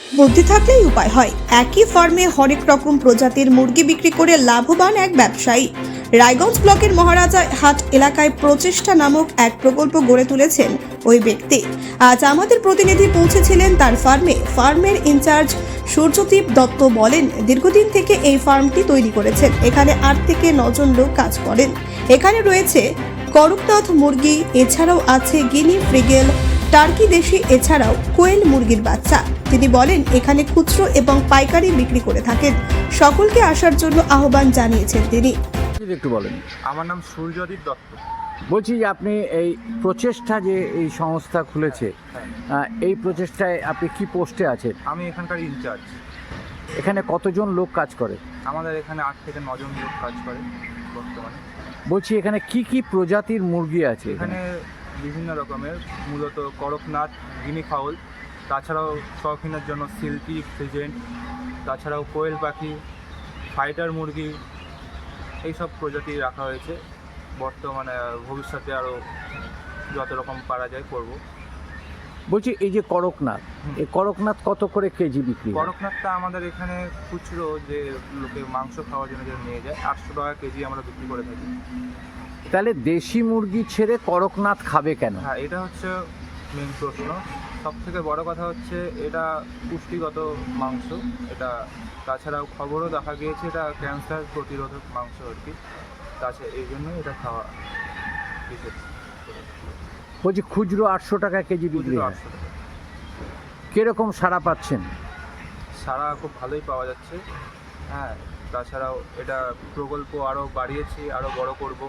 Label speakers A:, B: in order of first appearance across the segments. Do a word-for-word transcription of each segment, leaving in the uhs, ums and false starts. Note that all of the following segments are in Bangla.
A: বুদ্ধি থাকলেই উপায় হয়। একই ফার্মে হরেক রকম প্রজাতির মুরগি বিক্রি করে লাভবান এক ব্যবসায়ী রায়গঞ্জ ব্লকের মহারাজা হাট এলাকায় প্রচেষ্টা নামক এক প্রকল্প গড়ে তুলেছেন ওই ব্যক্তি। আজ আমাদের প্রতিনিধি পৌঁছেছিলেন তার ফার্মে। ফার্মের ইনচার্জ সূর্যদীপ দত্ত বলেন, দীর্ঘদিন থেকে এই ফার্মটি তৈরি করেছেন। এখানে আট থেকে নজন লোক কাজ করেন। এখানে রয়েছে করকনাথ মুরগি, এছাড়াও আছে গিনি ফ্রিগেল, টার্কি দেশি, এছাড়াও কোয়েল মুরগির বাচ্চা। তিনি বলেন, এখানে খুচরো এবং পাইকারি বিক্রি করে থাকেন। সকলকে আসার জন্য আহ্বান জানিয়েছেন তিনি।
B: যদি একটু বলেন।
C: আমার নাম সূর্যদীপ দত্ত।
B: বলছি যে আপনি এই প্রচেষ্টা যে এই সংস্থা খুলেছে,
C: হ্যাঁ,
B: আহ, এই প্রচেষ্টায় আপনি কি পোস্টে আছেন?
C: আমি এখানকার ইনচার্জ।
B: এখানে কতজন লোক কাজ করে?
C: আমাদের এখানে আট থেকে নজন লোক কাজ করে বর্তমানে।
B: বলছি এখানে কি কি প্রজাতির মুরগি আছে?
C: এখানে বিভিন্ন রকমের, মূলত করকনাথ, গিনি ফাউল, তাছাড়াও শৌখিনের জন্য সিল্কি, ফ্রিজেন্ট, তাছাড়াও কোয়েল পাখি, ফাইটার মুরগি, এইসব প্রজাতি রাখা হয়েছে। বর্তমানে ভবিষ্যতে আরও যত রকম পারা যায় করব।
B: বলছি এই যে করকনাথ, এই করকনাথ কত করে কেজি বিক্রি হয়?
C: করকনাথটা আমাদের এখানে খুচরো যে লোকে মাংস খাওয়ার জন্য যে নিয়ে যায়, আটশো টাকা কেজি আমরা বিক্রি করে থাকি।
B: তাহলে দেশি মুরগি ছেড়ে করকনাথ খাবে কেন?
C: হ্যাঁ, এটা হচ্ছে মেন প্রশ্ন। সব থেকে বড় কথা হচ্ছে এটা পুষ্টিগত মাংস। এটা তাছাড়াও খবরও দেখা গিয়েছে এটা ক্যান্সার প্রতিরোধক মাংস আর কি। তাছাড়া এই জন্য এটা খাওয়া বিশেষ।
B: বলছি খুচরো আটশো টাকা কেজি বিক্রি
C: খুচরো
B: হয়।
C: আটশো টাকা।
B: কিরকম সাড়া পাচ্ছেন?
C: সারা খুব ভালোই পাওয়া যাচ্ছে। হ্যাঁ, তাছাড়াও এটা প্রকল্প আরও বাড়িয়েছি, আরও বড় করব।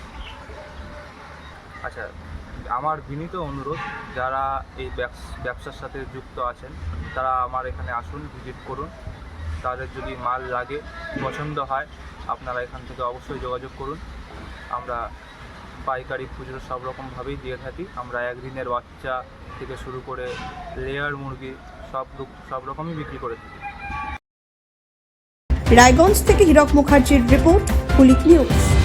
C: আচ্ছা, আমার বিনীত অনুরোধ, যারা এই ব্যবসার সাথে যুক্ত আছেন তারা আমার এখানে আসুন, ভিজিট করুন। তাদের যদি মাল লাগে, পছন্দ হয়, আপনারা এখান থেকে অবশ্যই যোগাযোগ করুন। আমরা পাইকারি, খুচরো সব রকমভাবেই দিয়ে থাকি। আমরা একদিনের বাচ্চা থেকে শুরু করে লেয়ার মুরগি সব সব রকমই বিক্রি করে থাকি।
A: রায়গঞ্জ থেকে হীরক মুখার্জির রিপোর্ট, কুলিক নিউজ।